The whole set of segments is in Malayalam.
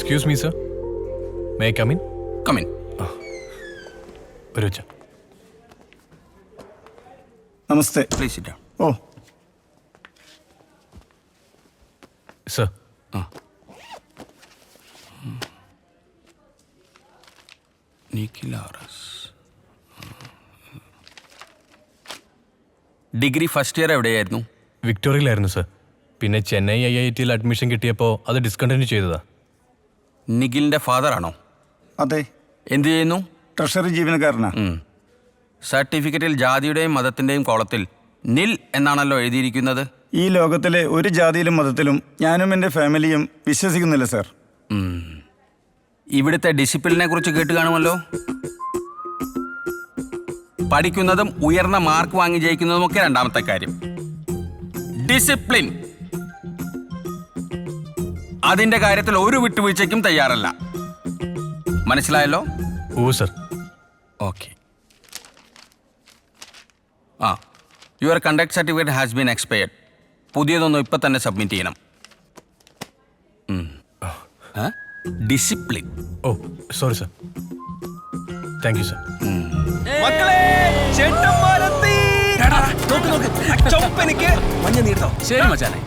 Excuse me sir, may I come in? Come in. ഒരു വെച്ച. നമസ്തേ. Please sit down. Oh, sir, Nikhil R S. Degree first year എവിടെയായിരുന്നു? വിക്ടോറിയയിലായിരുന്നു സർ. പിന്നെ ചെന്നൈ IIT അഡ്മിഷൻ കിട്ടിയപ്പോൾ അത് ഡിസ്കണ്ടിന്യൂ ചെയ്തതാ. നിഖിലിന്റെ ഫാദർ ആണോ? അതെ. എന്ത് ചെയ്യുന്നു? ട്രഷറി ജീവനക്കാരനാ. സർട്ടിഫിക്കറ്റിൽ ജാതിയുടെയും മതത്തിന്റെയും കോളത്തിൽ നിൽ എന്നാണല്ലോ എഴുതിയിരിക്കുന്നത്. ഈ ലോകത്തിലെ ഒരു ജാതിയിലും മതത്തിലും ഞാനും എൻ്റെ ഫാമിലിയും വിശ്വസിക്കുന്നില്ല സാർ. ഇവിടുത്തെ ഡിസിപ്ലിനെ കുറിച്ച് കേട്ട് കാണുമല്ലോ. പഠിക്കുന്നതും ഉയർന്ന മാർക്ക് വാങ്ങി ജയിക്കുന്നതും ഒക്കെ രണ്ടാമത്തെ കാര്യം. ഡിസിപ്ലിൻ, അതിന്റെ കാര്യത്തിൽ ഒരു വിട്ടുവീഴ്ചയ്ക്കും തയ്യാറല്ല. മനസ്സിലായല്ലോ? Oh sir. Okay. Your conduct certificate has been expired. പുതിയതൊന്നും ഇപ്പം തന്നെ സബ്മിറ്റ് ചെയ്യണം. Discipline. Oh sorry sir. Thank you sir. മഞ്ഞ നീട്ടോ. ശരി മച്ചാനെ.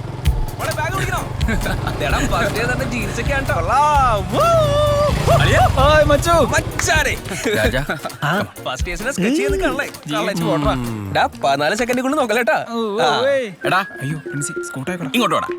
ഇങ്ങോട്ട് വാടാ.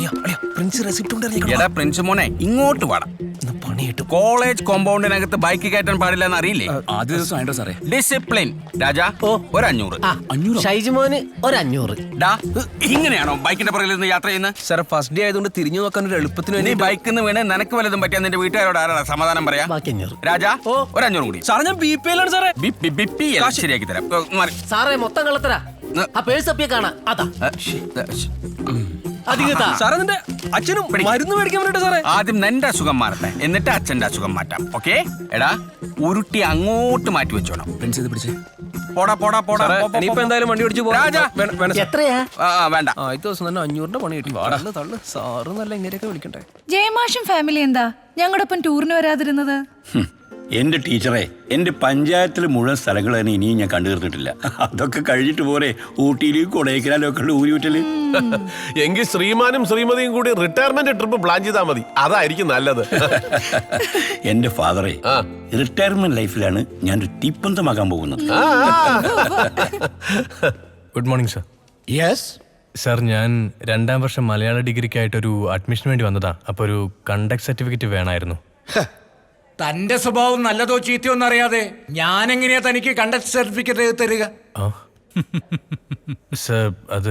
എടാ പ്രിൻസ് മോനെ, ഇങ്ങോട്ട് വാടാ. കോളേജ് കോമ്പൗണ്ടിനകത്ത് ബൈക്ക് കയറ്റാൻ പാടില്ല എന്ന് അറിയില്ലേ? ആദ്യ ദിവസം ആയിട്ടോ സാറേ. ഡിസിപ്ലിൻ. രാജാ, ഒരു 500. ഷൈജുമോന് ഒരു 500. ഇങ്ങനെയാണോ ബൈക്കിന്റെ പുറകിൽ നിന്ന് യാത്ര ചെയ്യുന്നത്? സാർ ഫസ്റ്റ് ഡേ ആയതുകൊണ്ട് തിരിഞ്ഞു നോക്കാൻ ഒരു എളുപ്പത്തിന് നീ ബൈക്കിൽ നിന്ന് വീണ് നിനക്ക് വല്ലതും പറ്റിയാ നിന്റെ വീട്ടുകാരോട് ആരാ സമാധാനം പറയാ? ബാക്കി 500. രാജാ, ഒരു 500 കൂടി. സാറേ ഞാൻ BP-യിലാണ് സാറേ. ശരിയാക്കി തരാം. സാറേ മൊത്തം കള്ളത്തരാ. ആ പേഴ്സ് അപ്പിയെ കാണാ. അതാ അധികത്താ. സാറേ നിന്റെ അച്ഛനും മരുന്ന് മേടിക്കാൻ വേണ്ടിട്ട് സാറേ. ആദ്യം നിന്റെ അസുഖം മാറട്ടെ, എന്നിട്ട് അച്ഛന്റെ അസുഖം മാറ്റാം. ഓക്കെ? എടാ, ഉരുട്ടി അങ്ങോട്ട് മാറ്റി വെച്ചോണം. പ്രിൻസ് ഇത് പിടിച്ചേ. പോടാ പോടാ പോടാ. ഇനിയിപ്പോ എന്തായാലും വണ്ടി ഓടിച്ചു രാജാ, എത്രയാ? വേണ്ട. ആദ്യത്തെ ദിവസം തന്നെ 500ന്റെ പണി കിട്ടി. തള്ളു സാറ് നല്ല ഇങ്ങനെയൊക്കെ വിളിക്കണ്ടേ. ജയമാഷും ഫാമിലി എന്താ ഞങ്ങളുടെ ഒപ്പം ടൂറിന് വരാതിരുന്നത്? എൻ്റെ ടീച്ചറെ, എൻ്റെ പഞ്ചായത്തിൽ മുഴുവൻ സ്ഥലങ്ങൾ തന്നെ ഇനിയും ഞാൻ കണ്ടു തീർന്നിട്ടില്ല. അതൊക്കെ കഴിഞ്ഞിട്ട് പോരെ ഊട്ടിയിലും കൊടൈക്കനാലും ഒക്കെ ഉള്ള ഊരിവിട്ടല്. എങ്കിൽ ശ്രീമാനും ശ്രീമതിയും കൂടി റിട്ടയർമെന്റ് ട്രിപ്പ് പ്ലാൻ ചെയ്താൽ മതി. അതായിരിക്കും നല്ലത്. എൻ്റെ ഫാദറെ, റിട്ടയർമെന്റ് ലൈഫിലാണ് ഞാനൊരു തീപ്പന്തമാകാൻ പോകുന്നത്. Good morning sir. Yes sir, ഞാൻ 2ാം വർഷം മലയാള ഡിഗ്രിക്കായിട്ടൊരു അഡ്മിഷന് വേണ്ടി വന്നതാ. അപ്പോൾ ഒരു കണ്ടക്ട് സർട്ടിഫിക്കറ്റ് വേണമായിരുന്നു. തന്റെ സ്വഭാവം നല്ലതോ ചീത്തയോ എന്നറിയാതെ ഞാൻ എങ്ങനെയാ തനിക്ക് കണ്ടക്ട് സർട്ടിഫിക്കറ്റ് തരിക? സർ, അത്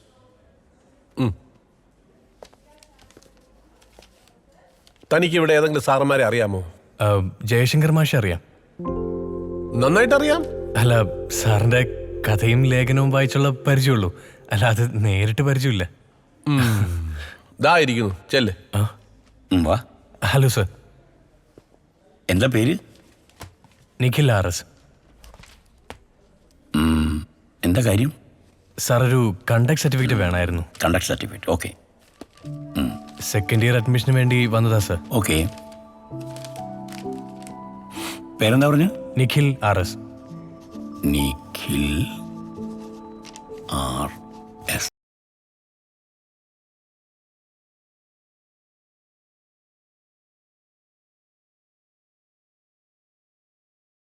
തനിക്ക് ഇവിടെ ഏതെങ്കിലും സാറന്മാരെ അറിയാമോ? ജയശങ്കർ മാഷെ അറിയാം. നന്നായിട്ട് അറിയാം. അല്ല, സാറിന്റെ കഥയും ലേഖനവും വായിച്ചുള്ള പരിചയമുള്ളൂ, അല്ല അത് നേരിട്ട് പരിചയമില്ല. ഇതായിരിക്കുന്നു, ചെല്ല്. വാ. Hello sir. എന്താ പേര്? നിഖിൽ RS. എന്താ കാര്യം? സാർ, ഒരു കണ്ടക്ട് സർട്ടിഫിക്കറ്റ് വേണമായിരുന്നു. Conduct certificate. Okay. 2nd year അഡ്മിഷന് വേണ്ടി വന്നതാ സർ. ഓക്കെ. പേരെന്താ പറഞ്ഞു? നിഖിൽ RS. നിഖിൽ R